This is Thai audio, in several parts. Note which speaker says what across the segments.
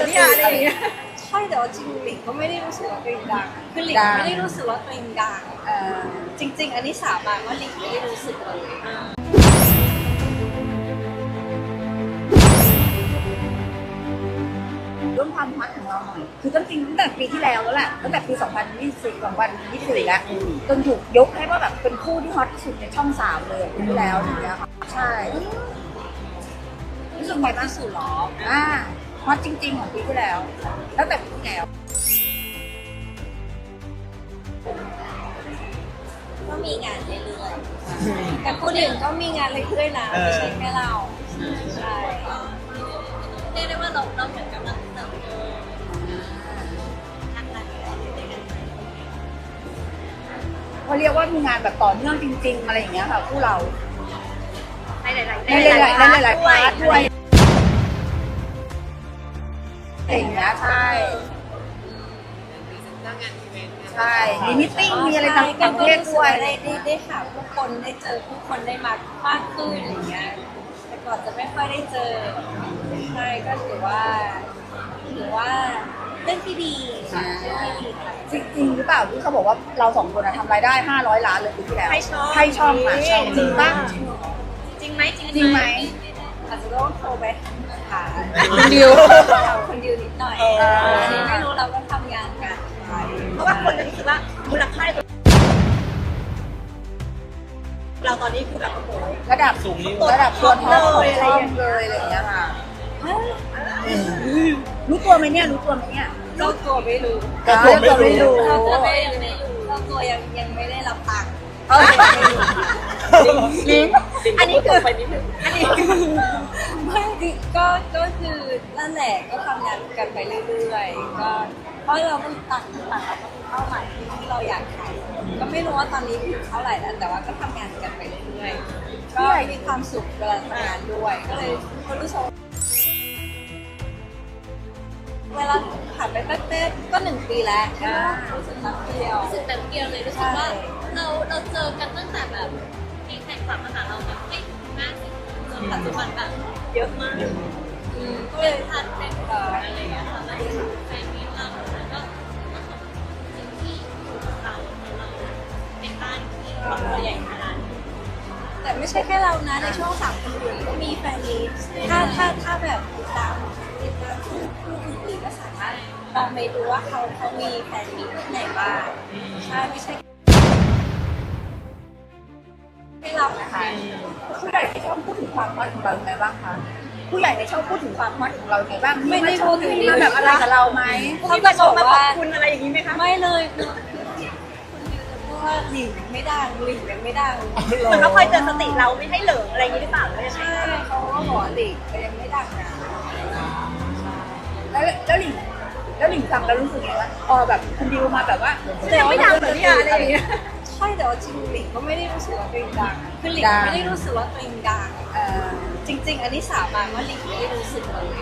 Speaker 1: เนี่ยอะไรอย่างเงี้ย
Speaker 2: ใช่แต่ว่าจริงหลิงก็ไม่ได้รู้สึกว่าตัวเองดังคือหลิงไม่ได้รู้สึกว่าตัวเองดังจริงๆอันนี้สาบานว่าหลิงไม่ได้รู้สึกเลย
Speaker 1: เรื่องความฮอตของเราหน่อยคือตั้งแต่ปีที่แล้วแล้วแหละตั้งแต่ปี2024แล้วจนถูกยกให้ว่าแบบเป็นคู่ที่ฮอตที่สุดในช่อง3เลยปีที่แล้วอย่างเงี้ยค่ะใช่รู้สึกไงบ้าง
Speaker 2: ที่สุดหรอ
Speaker 1: ฮอตจริงๆของปีที่แล้วตั้งแต่ปีที่แล้ว
Speaker 2: ก็มีงานเรื่อยๆแต่คนอื่นก็มีงานเรื่อยๆนะไม่ใช่แค่เราใช่เรียกได้ว่าเราเหมือนกำลังเติบโตทางการเงินด้วยกัน
Speaker 1: เขาเรียกว่ามีงานแบบต่อเนื่องจริงๆอะไรอย่างเงี้ยค่ะคู่เรา
Speaker 2: ในหลายๆ
Speaker 1: ในหลายๆพาร์ทด้วยอย่างเงี้ยใช่ใช่มีมิทติ้งมีอะไรต่างประเทศด้วย
Speaker 2: ได้หาผู้คนได้เจอผู้คนได้มากขึ้นอย่างเงี้ยแต่ก่อนจะไม่ค่อยได้เจอใช่ก็ถือว่าเรื่องที่ดีค่ะเรื่องที่ดีค่ะ
Speaker 1: จริงๆหรือเปล่าที่เขาบอกว่าเราสองคนทำรายได้500 ล้านเลยปีที่แล้ว
Speaker 2: ให้ช่อง
Speaker 1: อ่ะจริงป่ะ
Speaker 2: จริงไหม
Speaker 1: จริงไหม
Speaker 2: อาจจะต้องโทรไปหา
Speaker 1: คนดิว
Speaker 2: คนดิวนิดหน่อยไม่รู้เราก็ทำงานกัน
Speaker 3: เพราะว่าคนจะรู้สึกว่ามูลค่าเราตอนนี้คือแบบโอ้โห
Speaker 1: ระดับระดับตัวท็อปของช่องเลยอะไรอย่างเงี้ยค่ะรู้ตัวไหมเนี่ย
Speaker 2: เจ้าตัวไม่รู้
Speaker 1: เจ้าตัวไม่รู้
Speaker 2: เจ้าตัวยังไม่ได้รับตังค์
Speaker 1: ลิง
Speaker 3: อันนี้คือไปนิดนึง
Speaker 2: ไม่ก็คือนั่นแหละก็ทำงานกันไปเรื่อยๆก็เพราะเราต้องต่างเราก็มีเป้าหมายที่เราอยากทำก็ไม่รู้ว่าตอนนี้ถึงเท่าไหร่แล้วแต่ว่าก็ทำงานกันไปเรื่อยๆก็มีความสุขเวลาทำงานด้วยก็เลยคนรู้สึกเวลาผ่านไปแป๊บๆก็1 ปีแล้วรู้สึกแป๊บเดียว
Speaker 4: รู้สึกแบบเดียวเลยรู้สึกว่าเราเจอกันตั้งแต่แบบมีแฟนคลับมาหาเราแบบไม่ถึง50จนปัจจุบันแบบ
Speaker 3: เยอะมาก
Speaker 2: ก็เลย
Speaker 4: ทันเป็นอะไรอย่างเงี้ยค่ะแล้วแฟนมีเราแล้วก็ขอบคุณที่เราเป็นบ้านที่ครอบครัวใหญ่ขนาดนี้
Speaker 2: แต่ไม่ใช่แค่เรานะในช่วง3 ปีอื่นก็มีแฟนมีถ้าแบบติดตามคู่อื่นๆก็สามารถลองไปดูว่าเขามีแฟนมีที่ไหนบ้างใช่ไม่ใช่ให้เรานะคะ
Speaker 1: ผู้ใหญ่ในช่องพูดถึงความฮอตของเราไงบ้างคะผู้ใหญ่ในช่องพูดถึงความฮอตของเราไงบ้างมีมาชมมีมาแบบอะไรกับเราไหม
Speaker 2: เขาก็บอก
Speaker 3: มาขอ
Speaker 2: ว่า
Speaker 3: บคุณอะไรอย่างนี้ไหมคะ
Speaker 2: ไม่เลยคือคนเดียวจะพูดว่าหลิงไม่ดังหลิงยังไม่ดัง
Speaker 3: เหมือนเขาคอยเตือนสติเราไม่ให้เหลิงอะไรอย่างนี้หรือเปล่าหรือยังไง
Speaker 2: ใช่เขาก็บอกว่าหลิงยังไม่ดังนะ
Speaker 1: แล้วหลิงฟังแล้วรู้สึกไงวะพอแบบคุณดิวมาแบบว่า
Speaker 3: แต่ไม่ดังเหมือนเนี่ยอะไรอย่างเงี้ย
Speaker 2: ใช่แต่ว่าจริงหลิงก็ไม่ได้รู้สึกว่าตัวเองดังคือหลิงไม่ได้รู้สึกว่าตัวเองดังจริงๆอันนี้สาบานว่าหลิงไม่ได้รู้สึกเลย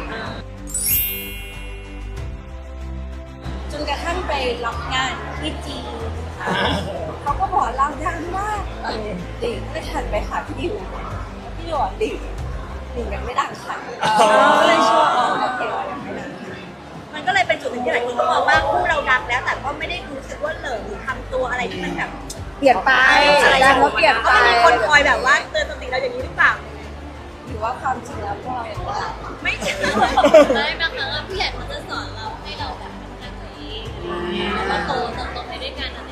Speaker 2: จนกระทั่งไปรับงานที่จีนเขาก็บอกเราดังมากหลิงก็ทันไปหาพี่ดิวพี่ดิวบอกหลิงยังไม่ดังค่ะก็เลยชวนโอเคว่ายังไม่ดัง
Speaker 3: มันก็เลยเป็นจุดหนึ่งที่หลายคนก็มองว่าคู่เราดังแล้ว แต่ก็ไม่ได้รู้สึกว่าเหลิงหรือทำตัวอะไรที่มันแบบ
Speaker 1: เปลี่ยนไปดังแล้วเปลี่ยน
Speaker 3: ก็
Speaker 1: ไป
Speaker 3: ไม่มีคนคอยแบบว่าเตือนสติเราอย่างนี้หรือเปล่า
Speaker 2: หรือว่าความจริงแล้วพวกเรายังไม่ดัง
Speaker 3: ไม่ใช่
Speaker 4: ไม่บางครั้งผู้ใหญ่เขาจะสอนเราให้เราแบบพัฒนาตัวเองแล้วก็โตไปด้วยกันอะไร